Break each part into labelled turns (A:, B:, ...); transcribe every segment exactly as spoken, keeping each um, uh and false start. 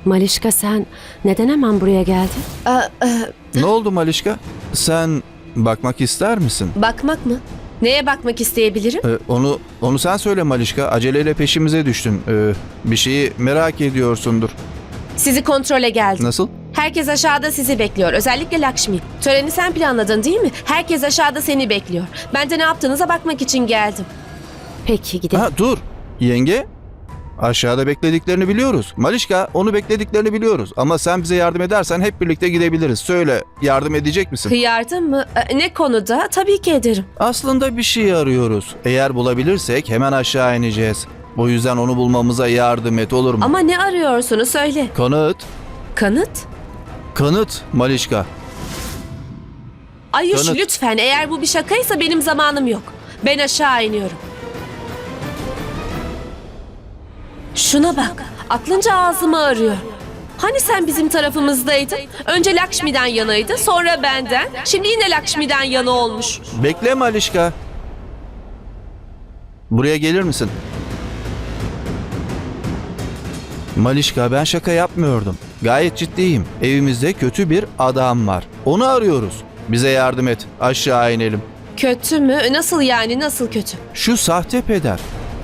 A: Malişka, sen neden hemen buraya geldin?
B: Aa, e,
C: Ne oldu Malişka? Sen bakmak ister misin?
B: bakmak mı? Neye bakmak isteyebilirim?
C: Ee, onu onu sen söyle Malişka. Aceleyle peşimize düştün. Ee, bir şeyi merak ediyorsundur.
B: Sizi kontrole geldim.
C: Nasıl?
B: Herkes aşağıda sizi bekliyor. Özellikle Lakshmi. Töreni sen planladın değil mi? Herkes aşağıda seni bekliyor. Ben de ne yaptığınıza bakmak için geldim.
A: Peki gidelim.
C: Ha dur. Yenge. Aşağıda beklediklerini biliyoruz. Malişka, onu beklediklerini biliyoruz. Ama sen bize yardım edersen hep birlikte gidebiliriz. Söyle, yardım edecek misin?
B: Yardım mı? E, Ne konuda? Tabii ki ederim.
C: Aslında bir şey arıyoruz. Eğer bulabilirsek hemen aşağı ineceğiz. O yüzden onu bulmamıza yardım et, olur mu?
B: Ama ne arıyorsunuz söyle.
C: Kanıt.
B: Kanıt?
C: Kanıt Malişka.
B: Ayuş
C: Kanıt.
B: lütfen, eğer bu bir şakaysa benim zamanım yok. Ben aşağı iniyorum. Şuna bak. Aklınca ağzımı arıyor. Hani sen bizim tarafımızdaydın? Önce Lakshmi'den yanaydı, sonra benden. Şimdi yine Lakshmi'den yana olmuş.
C: Bekle Malişka. Buraya gelir misin? Malişka, ben şaka yapmıyordum. Gayet ciddiyim. Evimizde kötü bir adam var. Onu arıyoruz. Bize yardım et. Aşağı inelim.
B: Kötü mü? Nasıl yani? Nasıl kötü?
C: Şu sahte peder.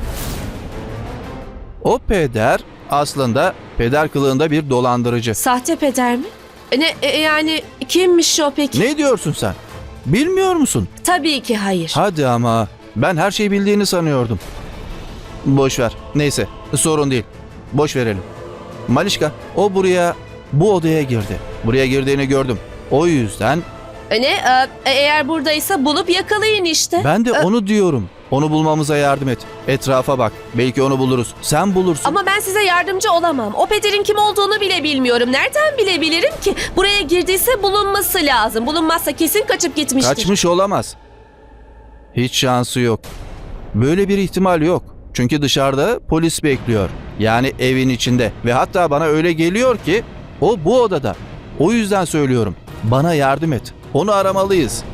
C: O peder aslında peder kılığında bir dolandırıcı.
B: Sahte peder mi? E Ne e, yani kimmiş o peki?
C: Ne diyorsun sen? Bilmiyor musun?
B: Tabii ki hayır.
C: Hadi ama ben her şeyi bildiğini sanıyordum. Boş ver. Neyse, sorun değil. Boş verelim. Malişka, o buraya, bu odaya girdi. Buraya girdiğini gördüm. O yüzden
B: E Ne? E, Eğer buradaysa bulup yakalayın işte.
C: ben de
B: E,
C: onu diyorum. Onu bulmamıza yardım et. Etrafa bak. Belki onu buluruz. Sen bulursun.
B: Ama ben size yardımcı olamam. O pederin kim olduğunu bile bilmiyorum. Nereden bilebilirim ki? Buraya girdiyse bulunması lazım. Bulunmazsa kesin kaçıp gitmiştir.
C: Kaçmış olamaz. Hiç şansı yok. Böyle bir ihtimal yok. Çünkü dışarıda polis bekliyor. Yani evin içinde. Ve hatta bana öyle geliyor ki o bu odada. O yüzden söylüyorum. Bana yardım et. Onu aramalıyız.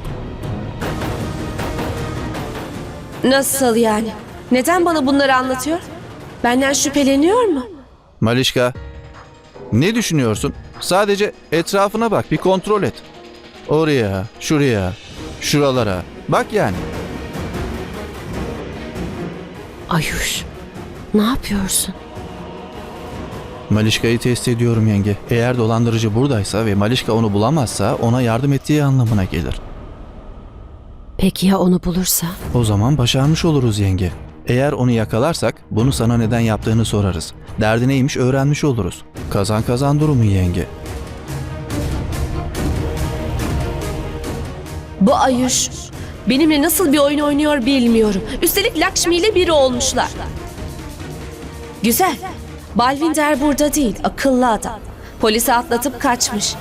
B: Nasıl yani? Neden bana bunları anlatıyor? Benden şüpheleniyor mu?
C: Malişka, ne düşünüyorsun? Sadece etrafına bak, bir kontrol et. Oraya, şuraya, şuralara. Bak yani.
A: Ayuş, ne yapıyorsun?
C: Malişka'yı test ediyorum yenge. Eğer dolandırıcı buradaysa ve Malişka onu bulamazsa ona yardım ettiği anlamına gelir.
A: Peki ya onu bulursa?
C: O zaman başarmış oluruz yenge. Eğer onu yakalarsak bunu sana neden yaptığını sorarız. Derdi neymiş öğrenmiş oluruz. Kazan kazan durumu yenge.
B: Bu Ayuş benimle nasıl bir oyun oynuyor bilmiyorum. Üstelik Lakshmi ile biri olmuşlar. Güzel. Balvinder burada değil, akıllı adam. Polisi atlatıp kaçmış.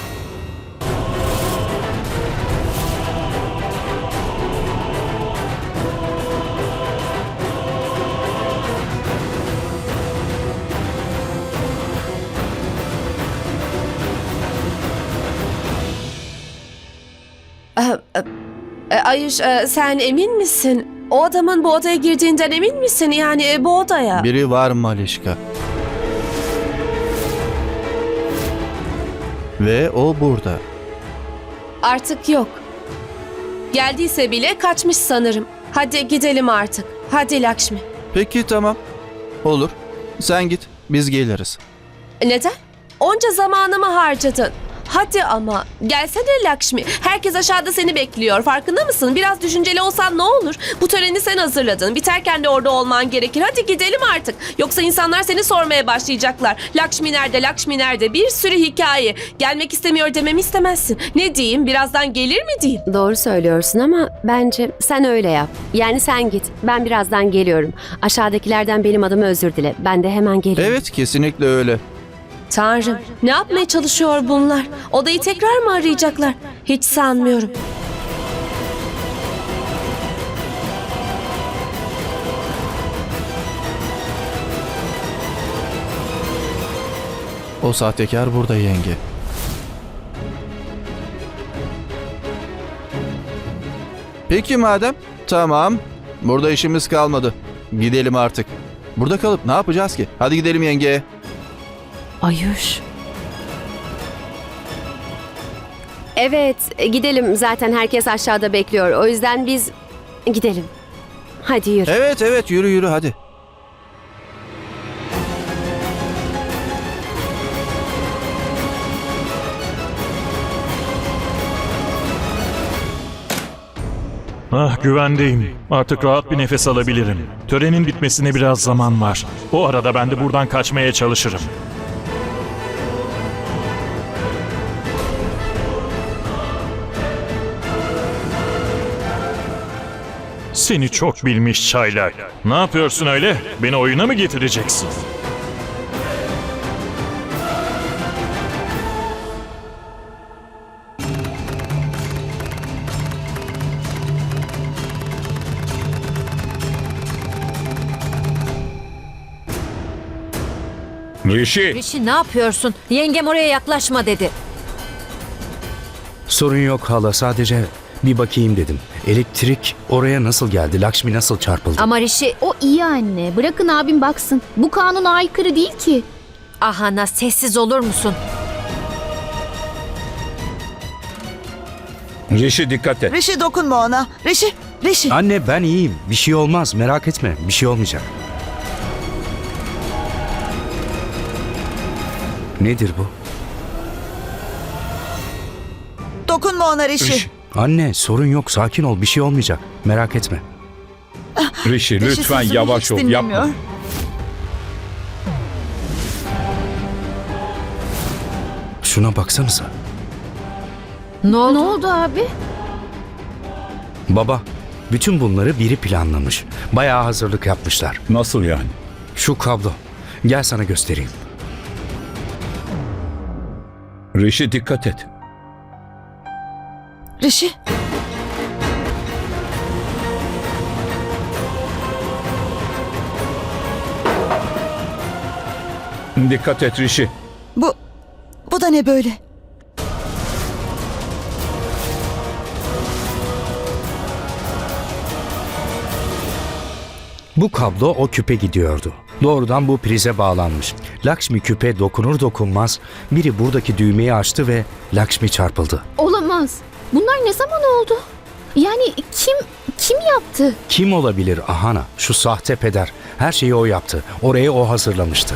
B: Ee, e, Ayuş, e, sen emin misin? O adamın bu odaya girdiğinden emin misin? Yani e, bu odaya.
C: Biri var Malişka. Ve o burada.
B: Artık yok. Geldiyse bile kaçmış sanırım. Hadi gidelim artık. Hadi Lakshmi.
C: Peki tamam. Olur. Sen git. Biz geliriz.
B: Neden? Onca zamanımı harcadın. Hadi ama. Gelsene Lakshmi. Herkes aşağıda seni bekliyor. Farkında mısın? Biraz düşünceli olsan ne olur? Bu töreni sen hazırladın. Biterken de orada olman gerekir. Hadi gidelim artık. Yoksa insanlar seni sormaya başlayacaklar. Lakshmi nerede? Lakshmi nerede? Bir sürü hikaye. Gelmek istemiyor dememi istemezsin. Ne diyeyim? Birazdan gelir mi diyeyim?
A: Doğru söylüyorsun ama bence sen öyle yap. Yani sen git. Ben birazdan geliyorum. Aşağıdakilerden benim adıma özür dile. Ben de hemen geliyorum.
C: Evet, kesinlikle öyle.
B: Tanrım, ne yapmaya çalışıyor bunlar? Odayı tekrar mı arayacaklar? Hiç sanmıyorum.
C: O sahtekar burada yenge. Peki madem. Tamam. Burada işimiz kalmadı. Gidelim artık. Burada kalıp ne yapacağız ki? Hadi gidelim yenge.
D: Ayuş.
A: Evet, gidelim. Zaten herkes aşağıda bekliyor. O yüzden biz gidelim. Hadi yürü.
C: Evet evet yürü yürü hadi.
E: Ah, güvendeyim. Artık rahat bir nefes alabilirim. Törenin bitmesine biraz zaman var. O arada ben de buradan kaçmaya çalışırım. Seni çok bilmiş çaylak. Ne yapıyorsun öyle? Beni oyuna mı getireceksin?
F: Rişi,
D: Rişi ne yapıyorsun? Yengem oraya yaklaşma dedi.
G: Sorun yok hala, sadece bir bakayım dedim. Elektrik oraya nasıl geldi? Lakshmi nasıl çarpıldı?
D: Ama Rişi...
H: O iyi anne. Bırakın abim baksın. Bu kanuna aykırı değil ki.
D: Ahana, sessiz olur musun?
F: Rişi dikkat et.
I: Rişi dokunma ona. Rişi, Rişi.
G: Anne ben iyiyim. Bir şey olmaz, merak etme. Bir şey olmayacak. Nedir bu?
I: Dokunma ona Rişi.
F: Rişi,
G: Anne sorun yok, sakin ol, bir şey olmayacak. Merak etme.
F: Rişi
I: Rişi
F: lütfen
I: sözümü
F: yavaş
I: hiç
F: ol,
I: dinlemiyor.
F: yapma.
G: Şuna baksanıza.
D: Ne oldu?
H: Ne oldu abi?
G: Baba, bütün bunları biri planlamış. Bayağı hazırlık yapmışlar.
F: Nasıl yani?
G: Şu kablo. Gel sana göstereyim.
F: Rişi dikkat et.
I: Rişi.
F: Dikkat et Rişi.
I: Bu, bu da ne böyle?
G: Bu kablo o küpe gidiyordu. Doğrudan bu prize bağlanmış. Lakshmi küpe dokunur dokunmaz biri buradaki düğmeyi açtı ve Lakshmi çarpıldı.
H: Olamaz. Bunlar ne zaman oldu? Yani kim kim yaptı?
G: Kim olabilir Ahana? Şu sahte peder. Her şeyi o yaptı. Orayı o hazırlamıştı.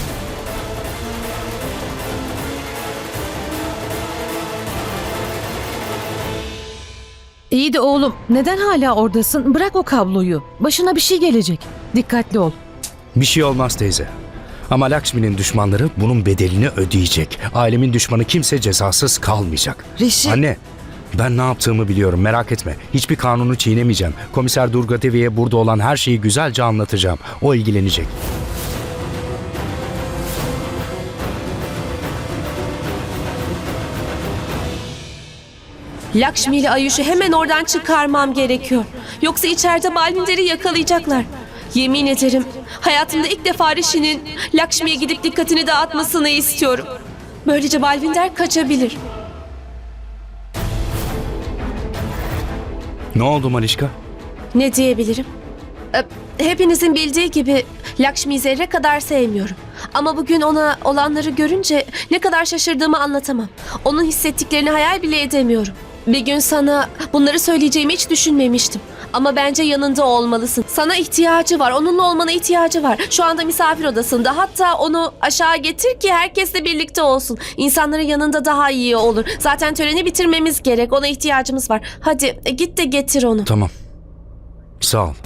J: İyi de oğlum, neden hala oradasın? Bırak o kabloyu. Başına bir şey gelecek. Dikkatli ol.
G: Bir şey olmaz teyze. Ama Lakshmi'nin düşmanları bunun bedelini ödeyecek. Ailemin düşmanı kimse cezasız kalmayacak.
I: Rişi.
G: Anne, ben ne yaptığımı biliyorum, merak etme. Hiçbir kanunu çiğnemeyeceğim. Komiser Durga Devi'ye burada olan her şeyi güzelce anlatacağım. O ilgilenecek.
B: Lakshmi ile Ayuş'u hemen oradan çıkarmam gerekiyor. Yoksa içeride Balvinder'i yakalayacaklar. Yemin ederim hayatımda ilk defa Rishi'nin Lakshmi'ye gidip dikkatini dağıtmasını istiyorum. Böylece Balvinder kaçabilir.
G: Ne oldu Malişka?
B: Ne diyebilirim? Ee, Hepinizin bildiği gibi Lakshmi'yi zerre kadar sevmiyorum. Ama bugün ona olanları görünce ne kadar şaşırdığımı anlatamam. Onun hissettiklerini hayal bile edemiyorum. Bir gün sana bunları söyleyeceğimi hiç düşünmemiştim. Ama bence yanında olmalısın. Sana ihtiyacı var. Onunla olmana ihtiyacı var. Şu anda misafir odasında. Hatta onu aşağı getir ki herkesle birlikte olsun. İnsanların yanında daha iyi olur. Zaten töreni bitirmemiz gerek. Ona ihtiyacımız var. Hadi e, git de getir onu.
G: Tamam. Sağ ol.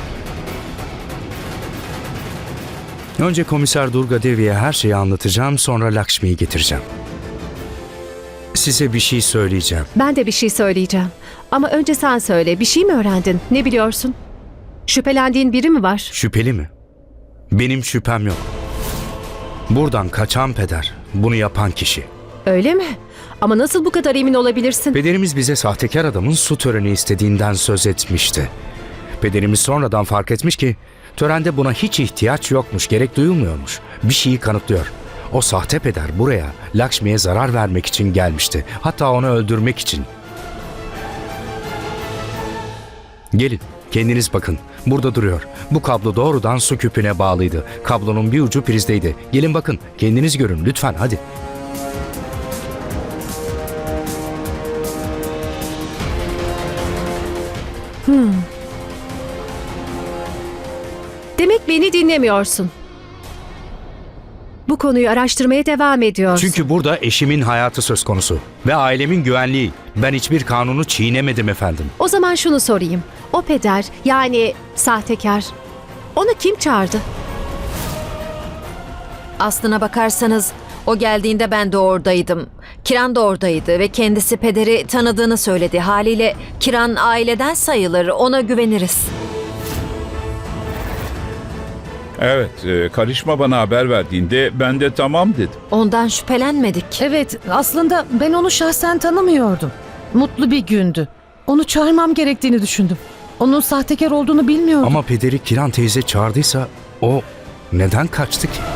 G: Önce Komiser Durga Devi'ye her şeyi anlatacağım, sonra Lakshmi'yi getireceğim. Size bir şey söyleyeceğim.
K: Ben de bir şey söyleyeceğim. Ama önce sen söyle. Bir şey mi öğrendin? Ne biliyorsun? Şüphelendiğin biri mi var?
G: Şüpheli mi? Benim şüphem yok. Buradan kaçan peder, bunu yapan kişi.
K: Öyle mi? Ama nasıl bu kadar emin olabilirsin?
G: Pederimiz bize sahtekar adamın su töreni istediğinden söz etmişti. Pederimiz sonradan fark etmiş ki törende buna hiç ihtiyaç yokmuş, gerek duyulmuyormuş. Bir şeyi kanıtlıyor. O sahte peder buraya Lakshmi'ye zarar vermek için gelmişti. Hatta onu öldürmek için. Gelin, kendiniz bakın. Burada duruyor. Bu kablo doğrudan su küpüne bağlıydı. Kablonun bir ucu prizdeydi. Gelin bakın, kendiniz görün lütfen, hadi.
K: Demek beni dinlemiyorsun. Bu konuyu araştırmaya devam ediyorsun.
G: Çünkü burada eşimin hayatı söz konusu ve ailemin güvenliği. Ben hiçbir kanunu çiğnemedim efendim.
K: O zaman şunu sorayım. O peder, yani sahtekar, onu kim çağırdı?
D: Aslına bakarsanız o geldiğinde ben de oradaydım. Kiran da oradaydı ve kendisi pederi tanıdığını söyledi. Haliyle Kiran aileden sayılır, ona güveniriz.
F: Evet, e, karışma bana haber verdiğinde ben de tamam dedim.
D: Ondan şüphelenmedik.
J: Evet, aslında ben onu şahsen tanımıyordum. Mutlu bir gündü. Onu çağırmam gerektiğini düşündüm. Onun sahtekar olduğunu bilmiyordum.
G: Ama pederi Kiran teyze çağırdıysa o neden kaçtı ki?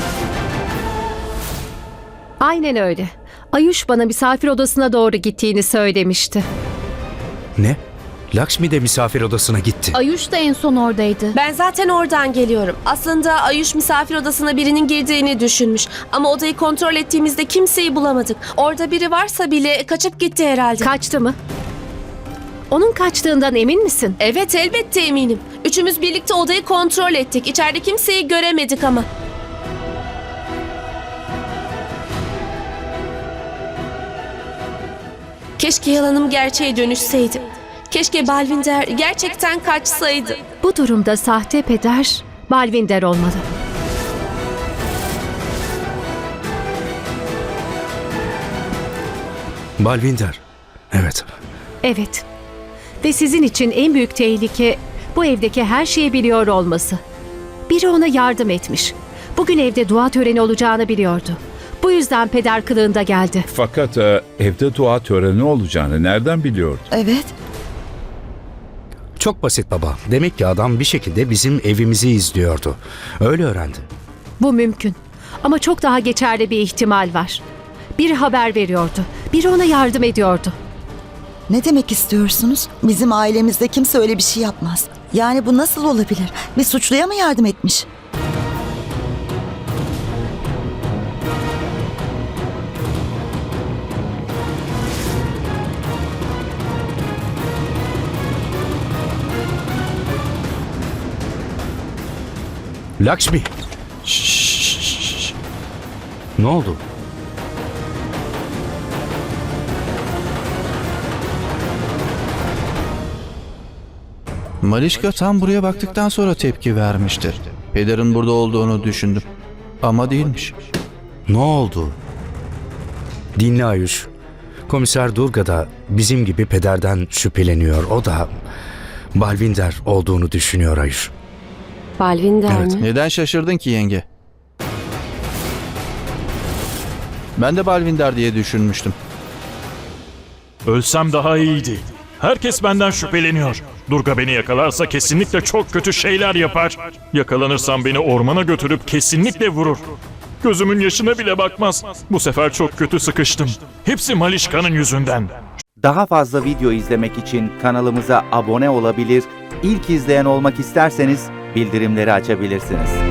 K: Aynen öyle. Ayuş bana misafir odasına doğru gittiğini söylemişti.
G: Ne? Lakshmi de misafir odasına gitti.
H: Ayuş da en son oradaydı.
B: Ben zaten oradan geliyorum. Aslında Ayuş misafir odasına birinin girdiğini düşünmüş. Ama odayı kontrol ettiğimizde kimseyi bulamadık. Orada biri varsa bile kaçıp gitti herhalde.
K: Kaçtı mı? Onun kaçtığından emin misin?
B: Evet, elbette eminim. Üçümüz birlikte odayı kontrol ettik. İçeride kimseyi göremedik ama. Keşke yalanım gerçeğe dönüşseydi. Keşke Balvinder gerçekten kaçsaydı.
K: Bu durumda sahte peder Balvinder olmalı.
G: Balvinder. Evet.
K: Evet. Ve sizin için en büyük tehlike bu evdeki her şeyi biliyor olması. Biri ona yardım etmiş. Bugün evde dua töreni olacağını biliyordu. Bu yüzden peder kılığında geldi.
F: Fakat e, evde dua töreni olacağını nereden biliyordu?
I: Evet.
G: Çok basit baba. Demek ki adam bir şekilde bizim evimizi izliyordu. Öyle öğrendi.
K: Bu mümkün. Ama çok daha geçerli bir ihtimal var. Biri haber veriyordu. Biri ona yardım ediyordu.
I: Ne demek istiyorsunuz? Bizim ailemizde kimse öyle bir şey yapmaz. Yani bu nasıl olabilir? Bir suçluya mı yardım etmiş?
G: Lakshmi. Şşş. Ne oldu?
C: Malişka tam buraya baktıktan sonra tepki vermiştir. Pederin burada olduğunu düşündüm. Ama değilmiş.
G: Ne oldu? Dinle Ayuş. Komiser Durga da bizim gibi pederden şüpheleniyor. O da Balvinder olduğunu düşünüyor Ayuş.
A: Balvinder
G: Evet.
A: mi?
C: Neden şaşırdın ki yenge? Ben de Balvinder diye düşünmüştüm.
E: Ölsem daha iyiydi. Herkes benden şüpheleniyor. Durga beni yakalarsa kesinlikle çok kötü şeyler yapar. Yakalanırsam beni ormana götürüp kesinlikle vurur. Gözümün yaşına bile bakmaz. Bu sefer çok kötü sıkıştım. Hepsi Malişka'nın yüzünden.
L: Daha fazla video izlemek için kanalımıza abone olabilir, ilk izleyen olmak isterseniz bildirimleri açabilirsiniz.